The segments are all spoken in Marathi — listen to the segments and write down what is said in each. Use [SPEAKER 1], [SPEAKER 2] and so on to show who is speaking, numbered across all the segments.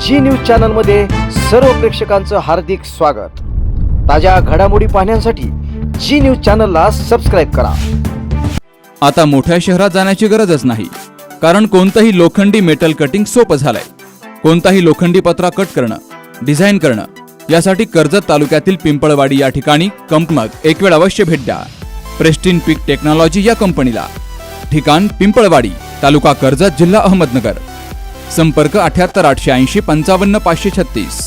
[SPEAKER 1] जी न्यूज चॅनलमध्ये सर्व प्रेक्षकांचं हार्दिक स्वागत। ताज्या घडामोडी पाहण्यासाठी जी न्यूज चॅनलला सबस्क्राइब करा।
[SPEAKER 2] आता मोठ्या शहरात जाण्याची गरजच नाही, कारण कोणतंही लोखंडी मेटल कटिंग सोपं झालंय। कोणताही लोखंडी पत्रा कट करणं, डिझाइन करणं यासाठी कर्जत तालुक्यातील पिंपळवाडी या ठिकाणी कंपनीत एक वेळ अवश्य भेट द्या। प्रेस्टिन पीक टेक्नॉलॉजी या कंपनीला। ठिकाण पिंपळवाडी, तालुका कर्जत, जिल्हा अहमदनगर। संपर्क 78 880 55 536।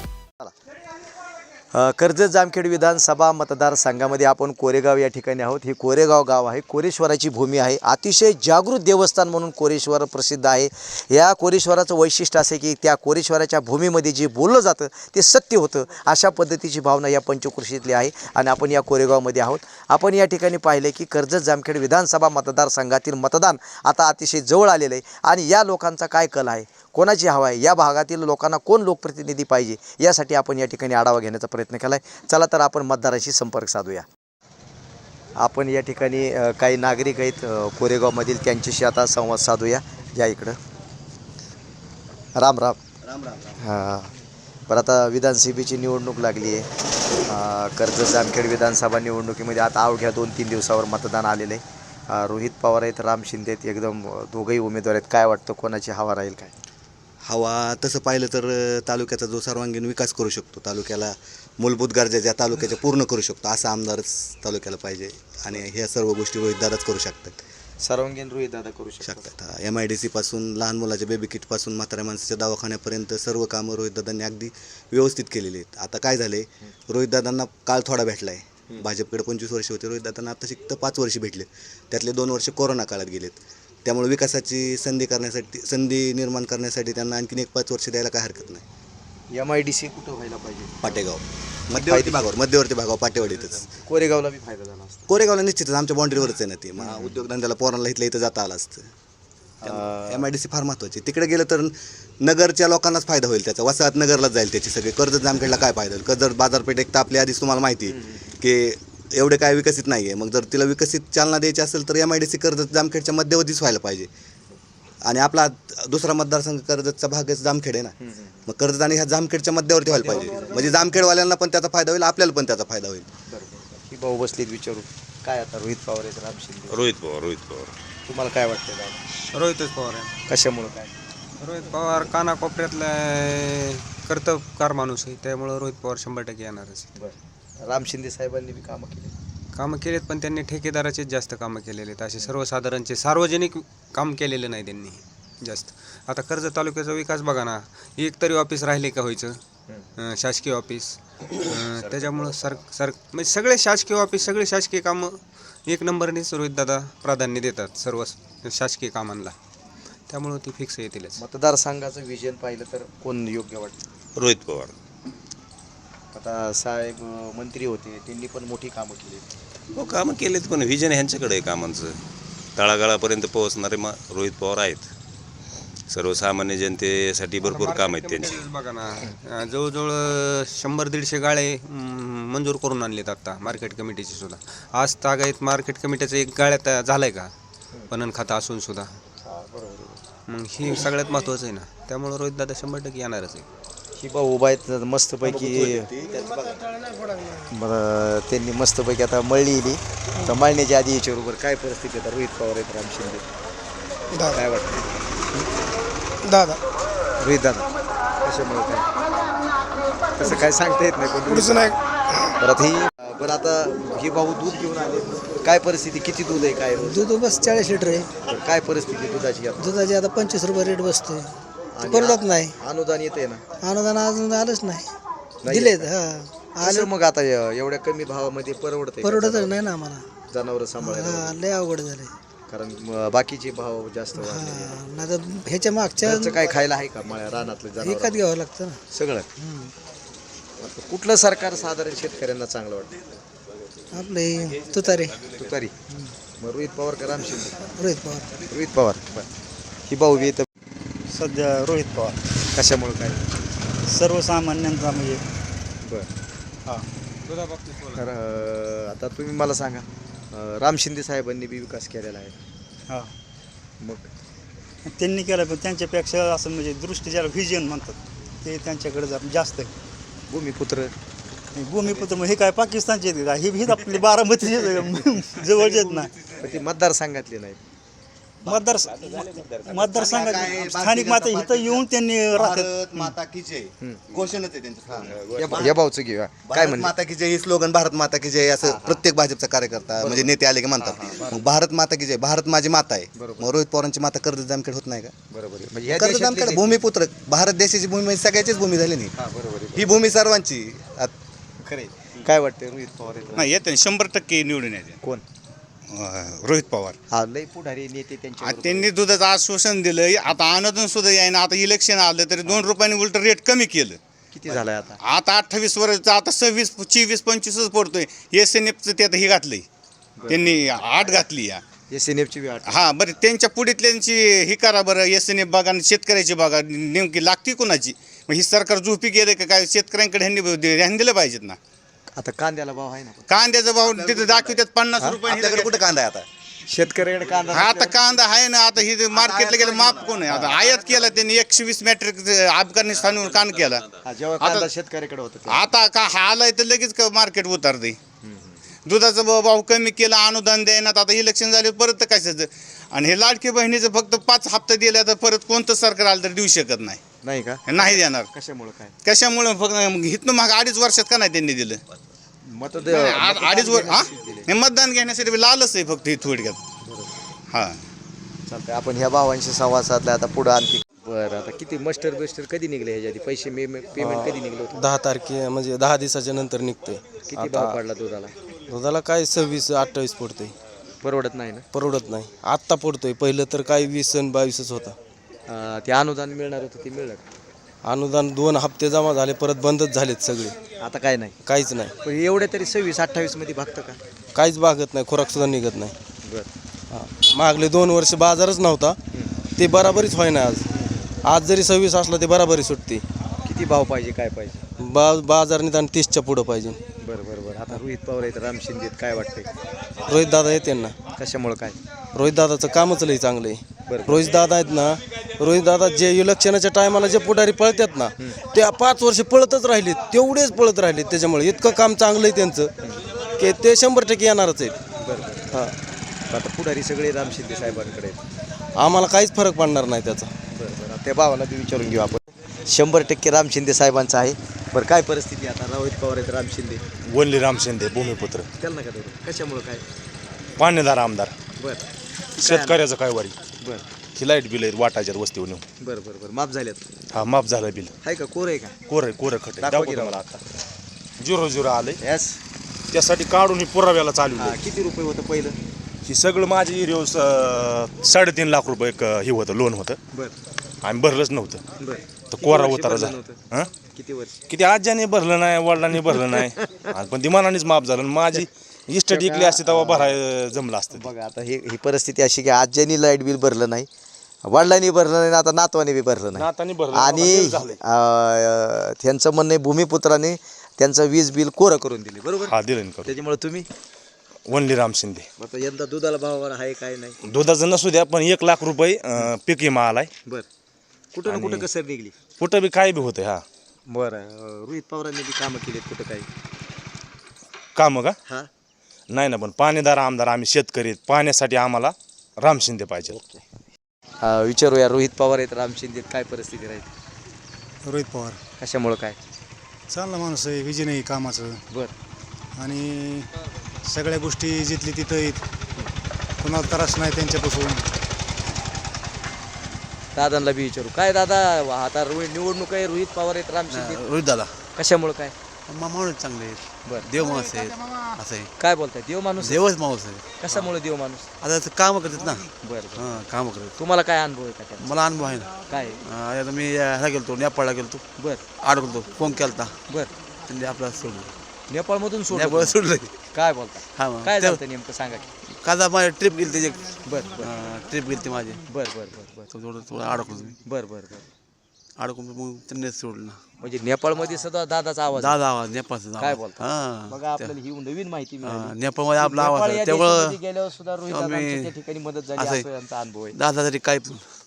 [SPEAKER 1] कर्जत जामखेड विधानसभा मतदारसंघामध्ये आपण कोरेगाव या ठिकाणी आहोत। हे कोरेगाव गाव आहे, कोरेश्वराची भूमी आहे। अतिशय जागृत देवस्थान म्हणून कोरेश्वर प्रसिद्ध आहे। या कोरेश्वराचं वैशिष्ट्य असे की त्या कोरेश्वराच्या भूमीमध्ये जे बोललं जातं ते सत्य होतं, अशा पद्धतीची भावना या पंचक्रोशीतली आहे। आणि आपण या कोरेगावमध्ये आहोत। आपण या ठिकाणी पाहिले की कर्जत जामखेड विधानसभा मतदारसंघातील मतदान आता अतिशय जवळ आलेलं आहे। आणि या लोकांचा काय कल आहे, कोणाची हवा आहे, या भागातील लोकांना कोण लोकप्रतिनिधी पाहिजे, यासाठी आपण या ठिकाणी आढावा घेण्याचा प्रयत्न केला आहे। चला तर आपण मतदाराशी संपर्क साधूया। आपण या ठिकाणी काही नागरिक आहेत कोरेगावमधील, त्यांच्याशी आता संवाद साधूया। या इकडं राम राम राम राम। हां, बरं, आता विधानसभेची निवडणूक लागली आहे। कर्जत जामखेड विधानसभा निवडणुकीमध्ये आता अवघ्या 2-3 दिवसावर मतदान आलेलं आहे। रोहित पवार आहेत, राम शिंदे आहेत, एकदम दोघंही उमेदवार आहेत। काय वाटतं, कोणाची हवा राहील काय?
[SPEAKER 3] हवा तसं पाहिलं तर तालुक्याचा जो सर्वांगीण विकास करू शकतो, तालुक्याला मूलभूत गरजा ज्या तालुक्याच्या पूर्ण करू शकतो, असा आमदारच तालुक्याला पाहिजे। आणि ह्या सर्व गोष्टी रोहितदादाच करू शकतात।
[SPEAKER 1] सर्वांगीण रोहितदादा करू शकतात।
[SPEAKER 3] MIDC पासून लहान मुलाच्या बेबी किट पासून म्हाताऱ्या माणसाच्या दवाखान्यापर्यंत सर्व कामं रोहितदादांनी अगदी व्यवस्थित केलेली आहेत। आता काय झाले, रोहितदादांना काळ थोडा भेटला आहे। भाजपकडे 25 वर्ष होते, रोहितदादांना आता शिकतं 5 वर्ष भेटले, त्यातले 2 वर्ष कोरोना काळात गेलेत। त्यामुळे विकासाची संधी निर्माण करण्यासाठी त्यांना आणखीन 1-5 वर्ष द्यायला काय हरकत नाही।
[SPEAKER 1] MIDC कुठं व्हायला पाहिजे?
[SPEAKER 3] पाटेगाव, मध्यवर्ती भागावर पाटेवाडीतच।
[SPEAKER 1] कोरेगावला बी फायदा झाला असता।
[SPEAKER 3] कोरेगावला निश्चितच आमच्या बाउंड्रीवरच आहे ना ती, मग उद्योगधंद्याला पोरांना इथं जाता आलं असतं। MIDC फार महत्त्वाची। तिकडे गेलं तर नगरच्या लोकांनाच फायदा होईल त्याचा, वसाहत नगरलाच जाईल त्याची सगळी। कर्जत जामखेडला काय फायदा होईल? कर्जत बाजारपेठ एक तर आपली आधीच तुम्हाला माहिती की एवढे काय विकसित नाही आहे। मग जर तिला विकसित चालना द्यायची असेल तर MIDC कर्जत जामखेडच्या मध्यवर्तीच व्हायला पाहिजे। आणि आपला दुसरा मतदारसंघ कर्जतचा भागच जामखेड आहे ना, मग कर्जत आणि ह्या जामखेडच्या मध्यवर्ती व्हायला पाहिजे, म्हणजे जामखेडवाल्यांना पण त्याचा फायदा होईल, आपल्याला पण त्याचा फायदा होईल।
[SPEAKER 1] ही भाऊ बसलीत, विचारू काय आता? रोहित पवार आहेत, राम शिंदे।
[SPEAKER 4] रोहित पवार
[SPEAKER 1] तुम्हाला काय वाटतं दादा?
[SPEAKER 5] रोहितच पवार आहे।
[SPEAKER 1] कशामुळं काय?
[SPEAKER 5] रोहित पवार कानाकोपऱ्यातला कर्तबगार माणूस आहे, त्यामुळं रोहित पवार 100% येणारच।
[SPEAKER 1] बरं, राम शिंदे साहेबांनी बी कामं
[SPEAKER 5] केलेत, पण त्यांनी ठेकेदाराचेच जास्त कामं केलेले आहेत। असे सर्वसाधारणचे सार्वजनिक काम केलेलं नाही त्यांनी जास्त। आता कर्जत तालुक्याचा विकास बघा ना, एक तरी ऑफिस राहिले का व्हायचं, शासकीय ऑफिस। त्याच्यामुळं म्हणजे सगळे शासकीय ऑफिस, सगळे शासकीय कामं 1 नंबरनेच रोहितदादा प्राधान्य देतात सर्व शासकीय कामांना, त्यामुळं ती फिक्स येतीलच।
[SPEAKER 1] मतदारसंघाचं विजन पाहिलं तर कोण योग्य वाटतं?
[SPEAKER 4] रोहित पवार।
[SPEAKER 1] आता साहेब मंत्री होते, त्यांनी पण मोठी कामं केली।
[SPEAKER 4] हो, कामं केलेत, पण व्हिजन ह्यांच्याकडे आहे कामांचं। तळागाळापर्यंत पोहोचणारे रोहित पवार आहेत। सर्वसामान्य जनतेसाठी भरपूर काम आहेत त्यांची।
[SPEAKER 5] बघा ना, जवळजवळ 100-150 गाळे मंजूर करून आणलेत आता मार्केट कमिटीची सुद्धा। आज तागायत मार्केट कमिटीचं एक गाळ्यात झालंय का, पणन खाता असून सुद्धा। मग ही सगळ्यात महत्त्वाचं आहे ना, त्यामुळे रोहितदादा 100% येणारच आहे।
[SPEAKER 1] ही भाऊ उभा आहेत मस्तपैकी, बरं, त्यांनी मस्तपैकी आता मळली तर मळण्याच्या आधी याच्याबरोबर काय परिस्थिती आहे? रोहित पवार आहेत, राम शिंदे, काय वाटतं
[SPEAKER 6] दादा?
[SPEAKER 1] रोहित दादा कशामुळे काय तसं काय सांगता येत नाही कोण
[SPEAKER 6] नाही।
[SPEAKER 1] परत ही बरं, आता ही भाऊ दूध घेऊन आले, काय परिस्थिती, किती दूध आहे, काय
[SPEAKER 6] दूध बस 40 लिटर आहे।
[SPEAKER 1] काय परिस्थिती दुधाची?
[SPEAKER 6] दुधाची आता 25 रुपये रेट बसतोय, परवडत नाही।
[SPEAKER 1] अनुदान येते ना?
[SPEAKER 6] अनुदान अजून आलंच नाही, दिलेत।
[SPEAKER 1] आलं मग आता एवढ्या कमी भावामध्ये
[SPEAKER 6] परवडत नाही ना आम्हाला
[SPEAKER 1] जनावर सांभाळायला,
[SPEAKER 6] लय अवघड झाले,
[SPEAKER 1] कारण बाकीचे भाव जास्त वाढले।
[SPEAKER 6] नाही तर ह्याच्या मागच्या
[SPEAKER 1] काय खायला आहे का मळ्या रानातलं जनावर?
[SPEAKER 6] एकात घ्यावं लागतं ना
[SPEAKER 1] सगळं। कुठलं सरकार साधारण शेतकऱ्यांना चांगलं वाटतं?
[SPEAKER 6] आपले तुतारी।
[SPEAKER 1] मग रोहित पवार का राम शिंदे? रोहित पवार। ही भाऊ बी तर
[SPEAKER 7] सध्या रोहित पवार।
[SPEAKER 1] कशामुळे काय?
[SPEAKER 7] सर्वसामान्यांचा म्हणजे
[SPEAKER 1] बरं, हां। आता तुम्ही मला सांगा, राम शिंदे साहेबांनी बी विकास केलेला आहे।
[SPEAKER 7] हां,
[SPEAKER 1] मग
[SPEAKER 7] त्यांनी केलं, पण त्यांच्यापेक्षा असं म्हणजे दृष्टी ज्याला व्हिजन म्हणतात ते त्यांच्याकडे जास्त आहे.
[SPEAKER 1] भूमिपुत्र
[SPEAKER 7] भूमिपुत्र मग हे काय पाकिस्तानचे आहेत का? हे आपले बारामतीचे जवळचे आहेत ना.
[SPEAKER 1] पण ते मतदारसंघातले नाहीत.
[SPEAKER 7] मतदारसंघात स्थानिक माता इथं येऊन त्यांनी राहतात.
[SPEAKER 3] भारत माता की जय घोषणाच आहे त्यांचं.
[SPEAKER 1] या भाऊचं घेऊया काय
[SPEAKER 3] भारत
[SPEAKER 1] म्हणले
[SPEAKER 3] माता की जय ही स्लोगन भारत माता की जय असं प्रत्येक भाजपचा कार्यकर्ता म्हणजे नेते आले की म्हणतात. मग भारत माता की जय, भारत माझी माता आहे. मग रोहित पवारांची माता कर्जत जामखेड होत नाही का?
[SPEAKER 1] बरोबर आहे. म्हणजे या
[SPEAKER 3] कर्जत
[SPEAKER 1] देशातले
[SPEAKER 3] जामखेड भूमिपुत्र, भारत देशाची भूमी म्हणजे सगळ्याचीच भूमी झाली नाही.
[SPEAKER 1] बरोबर आहे.
[SPEAKER 3] ही भूमी सर्वांची.
[SPEAKER 1] खरे काय वाटतं रोहित पवार आहेत?
[SPEAKER 8] नाही येते 100% निवडून येते
[SPEAKER 1] कोण?
[SPEAKER 8] रोहित पवार.
[SPEAKER 1] हा लय पुढारी नेते त्यांच्या
[SPEAKER 8] त्यांनी दुधाचं आश्वासन दिलं, आता अनुदान सुद्धा यायना. आता इलेक्शन आलं तरी 2 रुपयांनी उलट रेट कमी केलं.
[SPEAKER 1] किती झालाय आता?
[SPEAKER 8] आता 28 वर्षाचं आता 26, 24, 25च पडतोय. SNFचं ते आता हे घातलंय त्यांनी 8 घातली या.
[SPEAKER 1] SNF ची वाट
[SPEAKER 8] हा बरं, त्यांच्या पुढीतल्यांची ही करा बरं. SNF बघा आणि शेतकऱ्याची बघा नेमकी लागती कोणाची. मग ही सरकार झोपी गेले का काय? शेतकऱ्यांकडे ह्यांनी ध्यान दिलं पाहिजेत ना.
[SPEAKER 1] आता कांद्याला भाव आहे ना.
[SPEAKER 8] कांद्याचा भाव तिथे दाखवतात 50 रुपये.
[SPEAKER 3] आपल्याकडे कुठं कांदा आहे आता?
[SPEAKER 1] शेतकऱ्याकडे कांदा
[SPEAKER 8] आता कांदा आहे ना. आता ही मार्केटला गेलं माप कोण आहे? आता आयात केला त्यांनी 120 मॅट्रिक अफगाणिस्तानहून कान केला.
[SPEAKER 1] जेव्हा कांदा शेतकऱ्याकडे होता
[SPEAKER 8] आता का हा आलाय तर लगेच मार्केट उतारते. दुधाचा भाव कमी केला, अनुदान द्यायनात. आता इलेक्शन झाले परत कशाचं? आणि हे लाडकी बहिणीचं फक्त 5 हप्ते दिल्या तर परत कोणतं सरकार आलं तर देऊ शकत नाही.
[SPEAKER 1] नाही का?
[SPEAKER 8] नाही देणार.
[SPEAKER 1] कशामुळे काय?
[SPEAKER 8] कशामुळे? फक्त इथनं मग 2.5 वर्षात का नाही त्यांनी दिलं?
[SPEAKER 1] मत
[SPEAKER 8] 2.5 वर्ष हा हे मतदान घेण्यासाठी लालच आहे फक्त ही थोडक्यात. हा
[SPEAKER 1] चालतंय. आपण ह्या भावांशी संवाद साधला. आता पुढं आणखी बरं. आता किती मस्टर कधी निघले ह्याच्या आधी? पैसे पेमेंट कधी निघलं होतं?
[SPEAKER 9] 10 तारखे म्हणजे 10 दिवसाच्या नंतर निघते.
[SPEAKER 1] किती भाव पडला दुधाला?
[SPEAKER 9] दुधाला काय 26-28 पडतोय.
[SPEAKER 1] परवडत नाही ना?
[SPEAKER 9] परवडत नाही. आत्ता पडतोय. पहिलं तर काय 20 आणि 22च होता.
[SPEAKER 1] ते अनुदान मिळणार होतं ते मिळणार?
[SPEAKER 9] अनुदान 2 हप्ते जमा झाले, परत बंदच झालेत सगळे.
[SPEAKER 1] आता काय नाही?
[SPEAKER 9] काहीच नाही.
[SPEAKER 1] पण एवढे तरी 26-28 मध्ये भागतं का?
[SPEAKER 9] काहीच भागत नाही. खुराक सुद्धा निघत नाही.
[SPEAKER 1] बरं.
[SPEAKER 9] हां, मागले 2 वर्ष बाजारच नव्हता. ते बराबरीच होईना. आज जरी 26 असला ते बराबरी सुटते.
[SPEAKER 1] किती भाव पाहिजे काय पाहिजे?
[SPEAKER 9] बाजार निदान 30च्या पुढं पाहिजे.
[SPEAKER 1] बरं बरं बरं. आता रोहित पवार आहेत, राम शिंदे आहेत, काय वाटतंय?
[SPEAKER 9] रोहित दादा येते ना.
[SPEAKER 1] कशामुळे काय?
[SPEAKER 9] रोहित दादाचं कामच लई चांगलं आहे.
[SPEAKER 1] बरं.
[SPEAKER 9] रोहित दादा आहेत ना. रोहित दादा जे इलेक्शनाच्या टायमाला जे पुढारी पळतात ना, ते 5 वर्ष पळतच राहिले, तेवढेच पळत राहिले. त्याच्यामुळे इतकं काम चांगलं आहे त्यांचं की ते 100% येणारच आहेत.
[SPEAKER 1] बरं.
[SPEAKER 9] हां,
[SPEAKER 1] आता पुढारी सगळे राम शिंदे साहेबांकडे आहेत.
[SPEAKER 9] आम्हाला काहीच फरक पडणार नाही त्याचा.
[SPEAKER 1] बरं बरं. त्या भावाला ते विचारून घेऊ आपण. 100% राम शिंदे साहेबांचं आहे. बरं, काय परिस्थिती आता? रोहित पवार आहेत, राम शिंदे.
[SPEAKER 10] वनली राम शिंदे भूमिपुत्र,
[SPEAKER 1] त्याला नका धरू. कशामुळे काय?
[SPEAKER 10] पाणीदार आमदार.
[SPEAKER 1] बरं
[SPEAKER 10] शेतकऱ्याचं काय वारी?
[SPEAKER 1] बरं
[SPEAKER 10] ही लाईट बिल आहेत वाटायच्यात वस्तीवर नेऊन.
[SPEAKER 1] बरं बरं बरं. माफ झाल्यात?
[SPEAKER 10] हा माफ झालं बिल.
[SPEAKER 1] आहे का? कोर आहे का?
[SPEAKER 10] कोरं खट
[SPEAKER 1] दाखवा
[SPEAKER 10] दाखवतो
[SPEAKER 1] की
[SPEAKER 10] मला आता 0-0 आलंय.
[SPEAKER 1] यस.
[SPEAKER 10] त्यासाठी काढून ही पुराव्याला चालू
[SPEAKER 1] किती रुपये होतं पहिलं?
[SPEAKER 10] ही सगळं माझी एरिया 3.5 लाख रुपये एक हे होतं, लोन होतं.
[SPEAKER 1] बरं
[SPEAKER 10] आम्ही भरलंच नव्हतं.
[SPEAKER 1] बरं.
[SPEAKER 10] तर
[SPEAKER 1] किती
[SPEAKER 10] कोरा
[SPEAKER 1] वर्षी
[SPEAKER 10] उतारा
[SPEAKER 1] भरलं
[SPEAKER 10] झाला.
[SPEAKER 1] नव्हतं?
[SPEAKER 10] हां
[SPEAKER 1] किती वर्ष?
[SPEAKER 10] किती आज्याने भरलं नाही, वडिलांनी भरलं नाही. आणि पण दिमानानेच माफ झालं. माझी इस्टेट इकली असते तेव्हा भराय जमलं असतं.
[SPEAKER 1] बघा आता ही परिस्थिती अशी की आज्यांनी लाईट बिल भरलं नाही, वडिलांनी भरलं नाही, आता नातवाने बी भरलं नाही.
[SPEAKER 10] नातानी भरलं
[SPEAKER 1] आणि
[SPEAKER 10] झालंय.
[SPEAKER 1] त्यांचं म्हणणं आहे भूमिपुत्राने त्यांचं वीज बिल कोरं करून दिले. बरोबर.
[SPEAKER 10] हा दिलं करून.
[SPEAKER 1] त्याच्यामुळे तुम्ही
[SPEAKER 10] वनली राम शिंदे.
[SPEAKER 1] आता यंदा दुधाला भाव आहे काय नाही?
[SPEAKER 10] दुधाचं नसू द्या पण 1 लाख रुपये पीक विमा आलाय.
[SPEAKER 1] बरं. कुठं ना कुठं कसर निघली.
[SPEAKER 10] कुठं बी काय बी होतंय. हा
[SPEAKER 1] बरं. रोहित पवारांनी बी कामं केलीत कुठं काही?
[SPEAKER 10] काम का?
[SPEAKER 1] हां
[SPEAKER 10] नाही ना, पण पाणीदार आमदार आम्ही शेतकरी आहेत. पाण्यासाठी आम्हाला राम शिंदे पाहिजे.
[SPEAKER 1] विचारूया. रोहित पवार आहेत, राम शिंदे आहेत, काय परिस्थिती राहील?
[SPEAKER 7] रोहित पवार
[SPEAKER 1] कशामुळं काय?
[SPEAKER 7] चांगला माणूस आहे, विजय नाही कामाचं.
[SPEAKER 1] बरं.
[SPEAKER 7] आणि सगळ्या गोष्टी जिथली तिथं आहेत, कुणाला त्रास नाही त्यांच्यापासून.
[SPEAKER 1] दादांना बी विचारू. काय दादा, आता निवडणूक आहे, रोहित पवार आहेत, राम शिंदे आहेत.
[SPEAKER 11] रोहित दादा
[SPEAKER 1] कशामुळं काय?
[SPEAKER 11] माणूस चांगले आहेत.
[SPEAKER 1] बरं.
[SPEAKER 11] देव माणूस आहेत असं आहे.
[SPEAKER 1] काय बोलताय? देव माणूस?
[SPEAKER 11] देवच माणूस आहे.
[SPEAKER 1] कशामुळे देव माणूस?
[SPEAKER 11] आता कामं करतात ना.
[SPEAKER 1] बरं.
[SPEAKER 11] हां कामं करतात.
[SPEAKER 1] तुम्हाला काय अनुभव आहे का त्याचा?
[SPEAKER 11] मला अनुभव आहे ना.
[SPEAKER 1] काय?
[SPEAKER 11] आता मी ह्याला गेलतो, नेपाळला गेलतो.
[SPEAKER 1] बरं
[SPEAKER 11] अडकलो, फोन केलता.
[SPEAKER 1] बरं.
[SPEAKER 11] त्यांनी आपल्याला सोडलं.
[SPEAKER 1] नेपाळमधून सोडलं?
[SPEAKER 11] नेपाळ सोडलं.
[SPEAKER 1] काय बोलता?
[SPEAKER 11] हा मग
[SPEAKER 1] काय झालं नेमकं सांगा की.
[SPEAKER 11] कादा माझी ट्रिप गेली त्याची.
[SPEAKER 1] बरं बरं
[SPEAKER 11] ट्रिप गेली ती माझी.
[SPEAKER 1] बरं बरं बरं बरं
[SPEAKER 11] थोडं थोडं अडकलो तुम्ही.
[SPEAKER 1] बरं बरं बरं.
[SPEAKER 11] अडकून मग त्यांनी सोडलं ना.
[SPEAKER 1] म्हणजे नेपाळमध्ये सुद्धा दादाचा आवाज?
[SPEAKER 11] दादा आवाज नेपाळचा.
[SPEAKER 1] काय बोलता?
[SPEAKER 11] हां
[SPEAKER 1] बघा आपल्याला ही नवीन माहिती मिळाली.
[SPEAKER 11] नेपाळमध्ये आपला आवाज
[SPEAKER 1] नेपाळ
[SPEAKER 11] आहे.
[SPEAKER 1] या
[SPEAKER 11] तेवढं
[SPEAKER 1] देशामध्ये गेल्यावर सुद्धा रोहित दादांची त्या ठिकाणी मदत झाली
[SPEAKER 11] असं आहे.
[SPEAKER 1] असं यांचा अनुभव आहे.
[SPEAKER 11] दादा तरी काय पण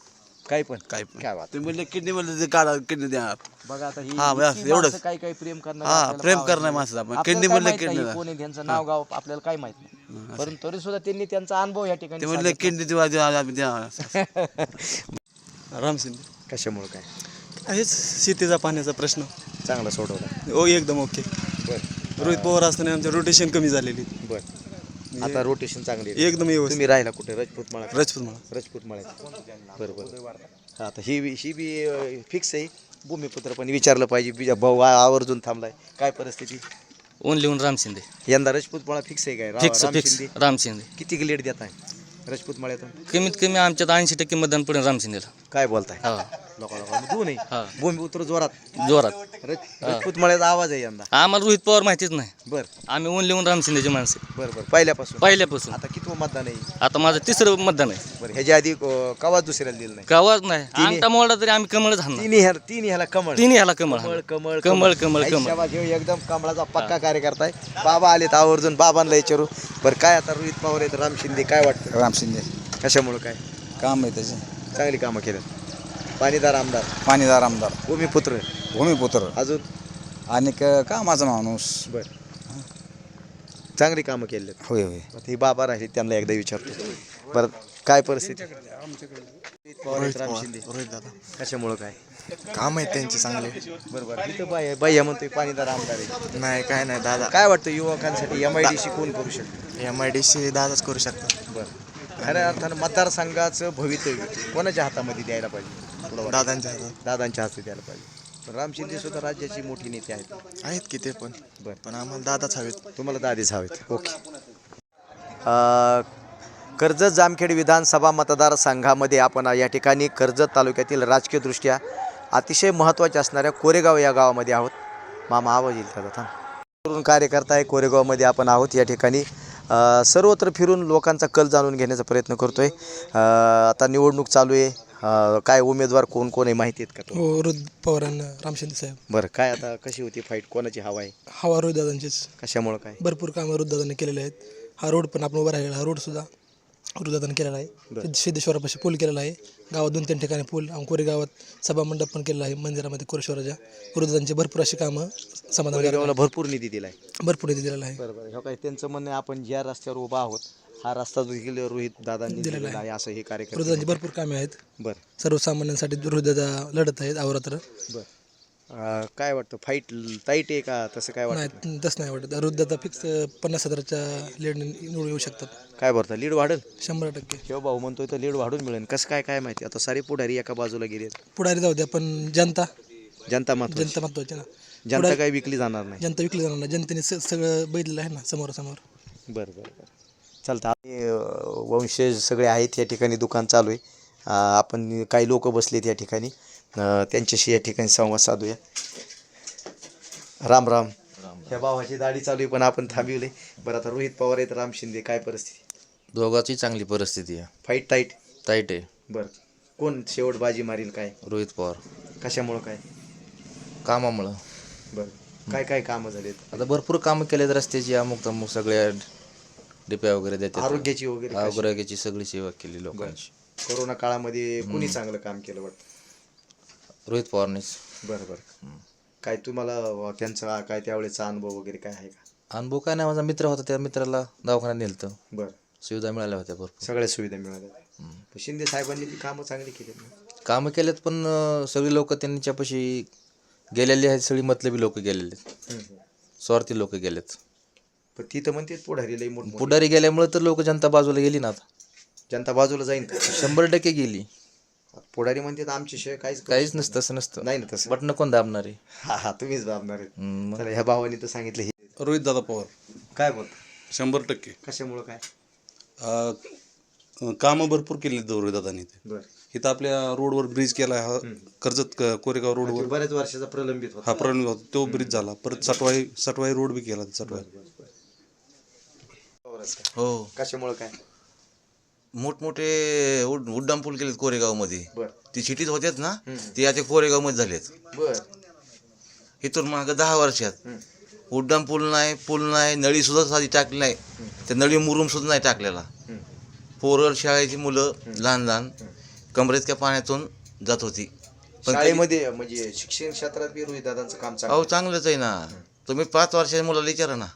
[SPEAKER 1] काय पण
[SPEAKER 11] काय पण
[SPEAKER 1] काय बात
[SPEAKER 11] तुम्ही म्हणले किडनी म्हणले ते काढा किडनी द्या
[SPEAKER 1] बघा आता ही
[SPEAKER 11] हा, बस,
[SPEAKER 1] इतकी
[SPEAKER 11] एवढंच.
[SPEAKER 1] माणसं काय प्रेम करणार
[SPEAKER 11] हा,
[SPEAKER 1] आपल्याला
[SPEAKER 11] प्रेम
[SPEAKER 1] पाहायला
[SPEAKER 11] करणार
[SPEAKER 1] नाही.
[SPEAKER 11] माणसं आपण.
[SPEAKER 1] आपल्याला
[SPEAKER 11] किडनी
[SPEAKER 1] काय
[SPEAKER 11] म्हणलं
[SPEAKER 1] माहित नाही
[SPEAKER 11] किडनी
[SPEAKER 1] कोण आहे, त्यांचं नाव गाव आपल्याला काय माहित नाही परंतु तरी सुद्धा त्यांनी त्यांचा अनुभव या ठिकाणी
[SPEAKER 11] ते म्हणले
[SPEAKER 1] सांगितला.
[SPEAKER 11] किडनी द्या
[SPEAKER 7] राम शिंदे
[SPEAKER 1] कशामुळे काय
[SPEAKER 7] हेच शेतीचा पाण्याचा प्रश्न
[SPEAKER 1] चांगला सोडवला
[SPEAKER 7] ओ एकदम ओके
[SPEAKER 1] बरं
[SPEAKER 7] रोहित पवार असताना आमच्या रोटेशन कमी झालेली
[SPEAKER 1] बरं आता रोटेशन चांगली आहे.
[SPEAKER 7] एकदम व्यवस्थित
[SPEAKER 1] तुम्ही राहिला कुठे राजपूत माळा
[SPEAKER 7] राजपूत मला
[SPEAKER 1] राजपूत माळ्यात बरोबर आता ही बी फिक्स आहे भूमिपुत्र पण विचारलं पाहिजे भाऊ आवर्जून थांबलाय काय परिस्थिती
[SPEAKER 12] ओनली ओन राम शिंदे
[SPEAKER 1] यंदा राजपूत माळा फिक्स आहे काय
[SPEAKER 12] फिक्स
[SPEAKER 1] राम
[SPEAKER 12] फिक्स
[SPEAKER 1] शिंदे
[SPEAKER 12] राम शिंदे
[SPEAKER 1] किती लेट देत आहे राजपूत माळ्यातून
[SPEAKER 12] कमीत कमी आमच्यात 80% मतदान पडेल राम शिंदेला.
[SPEAKER 1] काय बोलताय
[SPEAKER 12] हा
[SPEAKER 1] लोकांना दोन
[SPEAKER 12] हा.
[SPEAKER 1] आहे भूमिपुत्र जोरात
[SPEAKER 12] जोरात
[SPEAKER 1] राजपूत माळ्याचा आवाज आहे यंदा
[SPEAKER 12] आम्हाला रोहित पवार माहितीच नाही.
[SPEAKER 1] बरं
[SPEAKER 12] आम्ही ओनली ओन राम शिंदेचे माणसं
[SPEAKER 1] बरं पहिल्यापासून
[SPEAKER 12] पहिल्यापासून.
[SPEAKER 1] आता किती मतदान आहे
[SPEAKER 12] आता माझं 3रं मतदान आहे.
[SPEAKER 1] बरं ह्याच्या आधी कवा दुसऱ्याला दिलं नाही
[SPEAKER 12] गावात नाही अंगठा मोडला तरी आम्ही कमळच हाणणार.
[SPEAKER 1] तिन्ही ह्याला कमळ
[SPEAKER 12] तिन्ही ह्याला कमळ
[SPEAKER 1] कमळ
[SPEAKER 12] हाणणार.
[SPEAKER 1] कमळ
[SPEAKER 12] कमळ कमळ
[SPEAKER 1] आई
[SPEAKER 12] कमळ
[SPEAKER 1] शाबास, ह्यो एकदम कमळाचा पक्का कार्यकर्ता आहे बाबा आलेत आवर्जून बाबांना विचारू बरं काय आता रोहित पवार आहेत राम शिंदे काय वाटतं
[SPEAKER 9] राम शिंदे
[SPEAKER 1] कशामुळे काय
[SPEAKER 9] काम आहे त्याचे
[SPEAKER 1] चांगली कामं केल्यात पाणीदार आमदार
[SPEAKER 9] पाणीदार आमदार
[SPEAKER 1] भूमिपुत्र
[SPEAKER 9] भूमिपुत्र
[SPEAKER 1] अजून
[SPEAKER 9] आणि कामाचा माणूस
[SPEAKER 1] बर चांगली कामं केली
[SPEAKER 9] होय होय
[SPEAKER 1] आता ही बाबा राहिले त्यांना एकदा विचारतो बरं काय परिस्थिती रोहित पवार आहेत, राम शिंदे
[SPEAKER 7] रोहित दादा
[SPEAKER 1] कशामुळं काय
[SPEAKER 7] काम आहे त्यांचे चांगले
[SPEAKER 1] बरोबर इथं बाई म्हणतोय पाणीदार आमदार आहे
[SPEAKER 7] नाही काय नाही दादा
[SPEAKER 1] काय वाटतं युवकांसाठी MIDC कोण करू शकतो
[SPEAKER 7] MIDC दादाच करू शकतात
[SPEAKER 1] बरं खऱ्या अर्थानं मतदारसंघाचं भवितव्य कोणाच्या हातामध्ये द्यायला पाहिजे तुला वाटतं?
[SPEAKER 7] दादांच्या हातात
[SPEAKER 1] दादांच्या हाती द्यायला पाहिजे पण राम शिंदे सुद्धा राज्याची मोठी नेते आहेत
[SPEAKER 7] आहेत की ते पण
[SPEAKER 1] बरं
[SPEAKER 7] पण आम्हाला दादाच हवेत
[SPEAKER 1] तुम्हाला दादीच हवेत ओके कर्जत जामखेड विधानसभा मतदारसंघामध्ये आपण या ठिकाणी कर्जत तालुक्यातील राजकीयदृष्ट्या अतिशय महत्त्वाच्या असणाऱ्या कोरेगाव या गावामध्ये आहोत मामा आवाज येईल त्याचा थांब तरुण कार्यकर्ता आहे कोरेगावमध्ये आपण आहोत या ठिकाणी सर्वत्र फिरून लोकांचा कल जाणून घेण्याचा प्रयत्न करतो आहे आता निवडणूक चालू आहे काय उमेदवार कोण कोण आहे माहिती आहेत का तो
[SPEAKER 6] हो रोहित पवारांना राम शिंदे साहेब
[SPEAKER 1] बरं काय आता कशी होती फाईट कोणाची हवा आहे
[SPEAKER 6] हवा रोहित दादांचीच
[SPEAKER 1] कशामुळं काय
[SPEAKER 6] भरपूर कामं रोहित दादांनी केलेले आहेत हा रोड पण आपण उभा राहिलेला हा रोड सुद्धा रोहित दादांनी केलेला आहे सिद्धेश्वरापाशी पूल केलेला आहे गावात 2-3 ठिकाणी पूल कोरे गावात सभामंडप पण केलेला आहे मंदिरामध्ये कोरेश्वराच्या रोहित दादांची भरपूर अशी कामं समाधान
[SPEAKER 1] कोरेगावला भरपूर निधी दिला आहे
[SPEAKER 6] भरपूर निधी दिलेला आहे
[SPEAKER 1] बरोबर हे काय त्यांचं म्हणणं आहे, आपण ज्या रस्त्यावर उभा आहोत हा रस्ता देखील रोहित दादांनी दिलेला आहे असं हे
[SPEAKER 6] रोहित
[SPEAKER 1] कार्यक्रम
[SPEAKER 6] दादांची भरपूर कामे आहेत
[SPEAKER 1] बरं
[SPEAKER 6] सर्वसामान्यांसाठी रोहित दादा लढत आहेत अहोरात्र
[SPEAKER 1] बरं काय वाटतं फाईट टाईट आहे का तसं काय वाटतं
[SPEAKER 6] नाही तसं नाही वाटत रोहित दादा फिक्स 50,000च्या लीडने निवडून येऊ शकतात
[SPEAKER 1] काय भरतं लीड वाढेल
[SPEAKER 6] 100%.
[SPEAKER 1] किंवा भाऊ म्हणतोय तर लीड वाढून मिळेल कसं काय काय माहिती आता सारे पुढारी एका बाजूला गेले
[SPEAKER 6] पुढारी जाऊ द्या पण जनता
[SPEAKER 1] जनता महत्वाची
[SPEAKER 6] जनता महत्वाची ना
[SPEAKER 1] जनता काही विकली जाणार नाही
[SPEAKER 6] जनता विकली जाणार नाही जनतेने सगळं बघितलेलं आहे ना समोरासमोर
[SPEAKER 1] बरं बरं बरं चालतं आम्ही वंशज सगळे आहेत या ठिकाणी दुकान चालू आहे आपण काही लोक बसलेत या ठिकाणी त्यांच्याशी या ठिकाणी संवाद साधूया राम राम ह्या भावाची दाढी चालू आहे पण आपण थांबवले बरं आता रोहित पवार आहेत राम शिंदे काय परिस्थिती
[SPEAKER 12] दोघांची चांगली परिस्थिती आहे.
[SPEAKER 1] फाईट टाईट
[SPEAKER 12] टाईट आहे.
[SPEAKER 1] बरं कोण शेवट बाजी मारील काय
[SPEAKER 12] रोहित पवार
[SPEAKER 1] कशामुळं काय
[SPEAKER 12] कामामुळं.
[SPEAKER 1] बरं काय काय कामं झालेत
[SPEAKER 12] आता भरपूर कामं केलेत रस्त्याची अमुक तमुक सगळ्या डिप्या वगैरे देतात
[SPEAKER 1] आरोग्याची वगैरे कशी?
[SPEAKER 12] आरोग्याची सगळी सेवा केली लोकांची.
[SPEAKER 1] कोरोना काळामध्ये कुणी चांगलं काम केलं वाटतं
[SPEAKER 12] रोहित पवारनेच.
[SPEAKER 1] बरं बरं काय तुम्हाला त्यांचा काय त्यावेळेचा अनुभव वगैरे काय आहे का
[SPEAKER 12] अनुभव काय नाही माझा मित्र होता त्या मित्राला दवाखान्यात नेलतं
[SPEAKER 1] बरं
[SPEAKER 12] सुविधा मिळाल्या होत्या भरपूर
[SPEAKER 1] सगळ्या सुविधा मिळाल्या पण शिंदे साहेबांनी ती कामं चांगली केली
[SPEAKER 12] कामं केलेत पण सगळी लोक त्यांच्यापाशी गेलेली आहेत सगळी मतलबी लोक गेलेले आहेत स्वार्थी लोक गेलेत
[SPEAKER 1] पण ती तर म्हणते पुढारी लई मोठ
[SPEAKER 12] पुढारी गेल्यामुळे तर लोक जनता बाजूला गेली ना आता
[SPEAKER 1] जनता बाजूला जाईन का
[SPEAKER 12] 100% गेली
[SPEAKER 1] पुढारी म्हणते आमच्या शिवाय
[SPEAKER 12] काहीच नसतं तसं नसतं
[SPEAKER 1] नाही ना तसं
[SPEAKER 12] बटणं कोण दाबणार आहे
[SPEAKER 1] हा हा तुम्हीच दाबणार आहेत तर ह्या भावानी तर सांगितलं हे
[SPEAKER 10] रोहित दादा पवार
[SPEAKER 1] काय बोल
[SPEAKER 10] 100%
[SPEAKER 1] कशामुळं काय
[SPEAKER 10] कामं भरपूर केली रोहित दादांनी ते
[SPEAKER 1] बरं
[SPEAKER 10] इथं आपल्या रोडवर ब्रिज केला हा कर्जत कोरेगाव रोडवर
[SPEAKER 1] बऱ्याच वर्षाचा प्रलंबित होता
[SPEAKER 10] हा प्रॉब्लेम होता तो ब्रिज झाला परत सटवाई रोड बी केला सटवाई.
[SPEAKER 9] हो
[SPEAKER 1] कशामुळं काय
[SPEAKER 9] मोठमोठे उड्डाण पूल केलेत कोरेगावमध्ये
[SPEAKER 1] बरं
[SPEAKER 9] ती सिटीत होत्यात ना ते आता कोरेगावमध्ये झालेत
[SPEAKER 1] बरं
[SPEAKER 9] इथून मागं 10 वर्षात उड्डाण पूल नाही नळी सुद्धा साधी टाकली नाही त्या नळी मुरुम सुद्धा नाही टाकलेला पोरं शाळेची मुलं लहान कमरेत त्या पाण्यातून
[SPEAKER 12] जात होती. पण
[SPEAKER 1] शाळेमध्ये म्हणजे शिक्षण क्षेत्रात बी रोहित दादांचं काम चांगलं
[SPEAKER 12] अहो
[SPEAKER 1] आहे.
[SPEAKER 12] चांगलंच आहे ना. तुम्ही 5 वर्षाच्या मुलाला विचारा ना,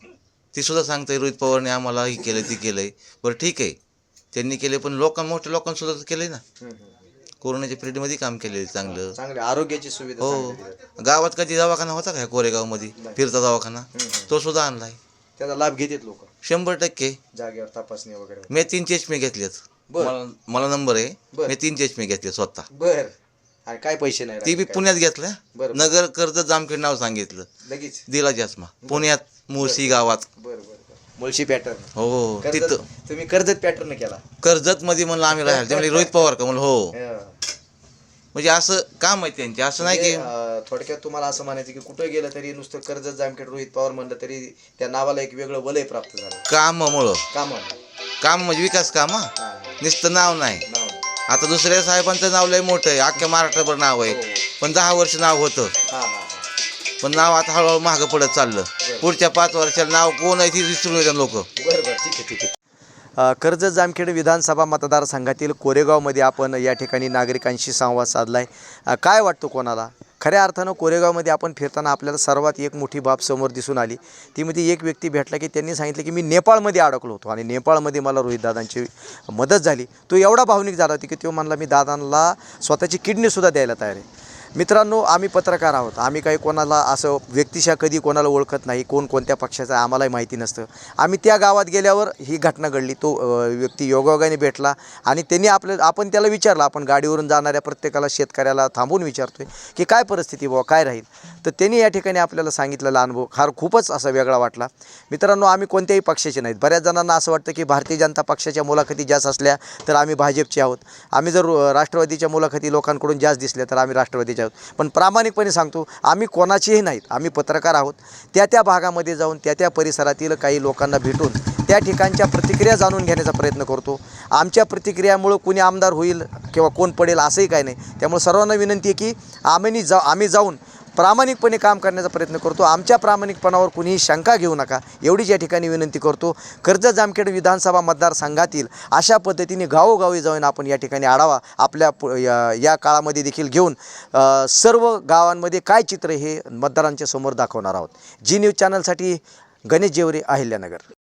[SPEAKER 12] ती सुद्धा सांगते रोहित पवारने आम्हाला हे केलं ती केलंय. बरं ठीक आहे, त्यांनी केले, पण मोठ्या लोकांसुद्धा तर केलंय ना. कोरोनाच्या पिरियडमध्ये काम केलेलं चांगलं.
[SPEAKER 1] चांगले आरोग्याची सुविधा
[SPEAKER 12] हो,
[SPEAKER 1] चांगली दिली.
[SPEAKER 12] गावात कधी दवाखाना होता का कोरेगावमध्ये फिरता दवाखाना, तो सुद्धा आणलाय.
[SPEAKER 1] त्याचा लाभ घेतात लोक
[SPEAKER 12] 100%
[SPEAKER 1] जागेवर तपासणी वगैरे.
[SPEAKER 12] मी 3 चष्मे घेतलेत. मला नंबर आहे, मी 3 चष्मे घेतले स्वतः.
[SPEAKER 1] बर आणि काय पैसे नाही
[SPEAKER 12] ती बी
[SPEAKER 1] राहिले
[SPEAKER 12] पुण्यात घेतल्या.
[SPEAKER 1] बरं.
[SPEAKER 12] नगर कर्जत जामखेड नाव सांगितलं,
[SPEAKER 1] काय? लगेच
[SPEAKER 12] दिला चष्मा. पुण्यात मुळशी गावात.
[SPEAKER 1] बर बर मुळशी पॅटर्न
[SPEAKER 12] हो, तिथं
[SPEAKER 1] तुम्ही कर्जत पॅटर्न केला.
[SPEAKER 12] कर्जत मध्ये म्हणलं आम्ही राहायला. ते म्हणले रोहित पवार का? म्हणलं हो.
[SPEAKER 1] हं.
[SPEAKER 12] म्हणजे असं काम आहे त्यांचे, असं नाही की
[SPEAKER 1] म्हणजे, थोडक्यात तुम्हाला असं म्हणायचं की कुठे गेलं तरी नुसतं कर्जत जामखेड रोहित पवार म्हणलं तरी त्या नावाला एक वेगळं वलय प्राप्त झालं.
[SPEAKER 12] कामामुळं.
[SPEAKER 1] कामाला
[SPEAKER 12] काम म्हणजे विकास काम हा,
[SPEAKER 1] हां,
[SPEAKER 12] नुसतं नाव नाही.
[SPEAKER 1] नाव.
[SPEAKER 12] आता दुसऱ्या साहेबांचं नाव लय मोठं आहे, अख्ख्या महाराष्ट्रभर नाव आहे. पण 10 वर्ष नाव होतं,
[SPEAKER 1] हां हां
[SPEAKER 12] पण नाव आता हळूहळू मागं पडत चाललं. पुढच्या 5 वर्षाला नाव कोण आहे ती विसरून येतात लोक.
[SPEAKER 1] बरं बरं ठीक आहे ठीक आहे. कर्जत जामखेड विधानसभा मतदारसंघातील कोरेगावमध्ये आपण या ठिकाणी नागरिकांशी संवाद साधला आहे. काय वाटतं कोणाला? खऱ्या अर्थानं कोरेगावमध्ये आपण फिरताना आपल्याला सर्वात एक मोठी बाब समोर दिसून आली. ती म्हणजे एक व्यक्ती भेटला की त्यांनी सांगितलं की मी नेपाळमध्ये अडकलो होतो आणि नेपाळमध्ये मला रोहितदादांची मदत झाली. तो एवढा भावनिक झाला होता की तो म्हणला मी दादांना स्वतःची किडनीसुद्धा द्यायला तयार आहे. मित्रांनो, आम्ही पत्रकार आहोत. आम्ही काही कोणाला असं व्यक्तिशः कधी कोणाला ओळखत नाही. कोण कोणत्या पक्षाचं आहे आम्हालाही माहिती नसतं. आम्ही त्या गावात गेल्यावर ही घटना घडली. तो व्यक्ती योगायोगाने भेटला आणि त्यांनी आपण त्याला विचारलं. आपण गाडीवरून जाणाऱ्या प्रत्येकाला शेतकऱ्याला थांबून विचारतोय की काय परिस्थिती बाबा काय राहील. तर त्यांनी या ठिकाणी आपल्याला सांगितलेला अनुभव खूपच असा वेगळा वाटला. मित्रांनो, आम्ही कोणत्याही पक्षाचे नाहीत. बऱ्याच जणांना असं वाटतं की भारतीय जनता पक्षाच्या मुलाखती जास्त असल्या तर आम्ही भाजपचे आहोत. आम्ही जर राष्ट्रवादीच्या मुलाखती लोकांकडून जास्त दिसल्या तर आम्ही राष्ट्रवादीचे आहोत. पण प्रामाणिकपणे सांगतो, आम्ही कोणाचेही नाहीत. आम्ही पत्रकार आहोत. त्या भागामध्ये जाऊन त्या परिसरातील काही लोकांना भेटून त्या ठिकाणच्या प्रतिक्रिया जाणून घेण्याचा प्रयत्न करतो. आमच्या प्रतिक्रियामुळं कोणी आमदार होईल किंवा कोण पडेल असंही काय नाही. त्यामुळे सर्वांना विनंती आहे की आम्ही जाऊन प्रामाणिकपणे काम करण्याचा प्रयत्न करतो. आमच्या प्रामाणिकपणावर कुणीही शंका घेऊ नका, एवढीच या ठिकाणी विनंती करतो. कर्जत जामखेड विधानसभा मतदारसंघातील अशा पद्धतीने गावोगावी जाऊन आपण या ठिकाणी आढावा आपल्या या काळामध्ये देखील घेऊन सर्व गावांमध्ये काय चित्र हे मतदारांच्या समोर दाखवणार आहोत. जी न्यूज चॅनलसाठी गणेश जेवरे, अहिल्यानगर.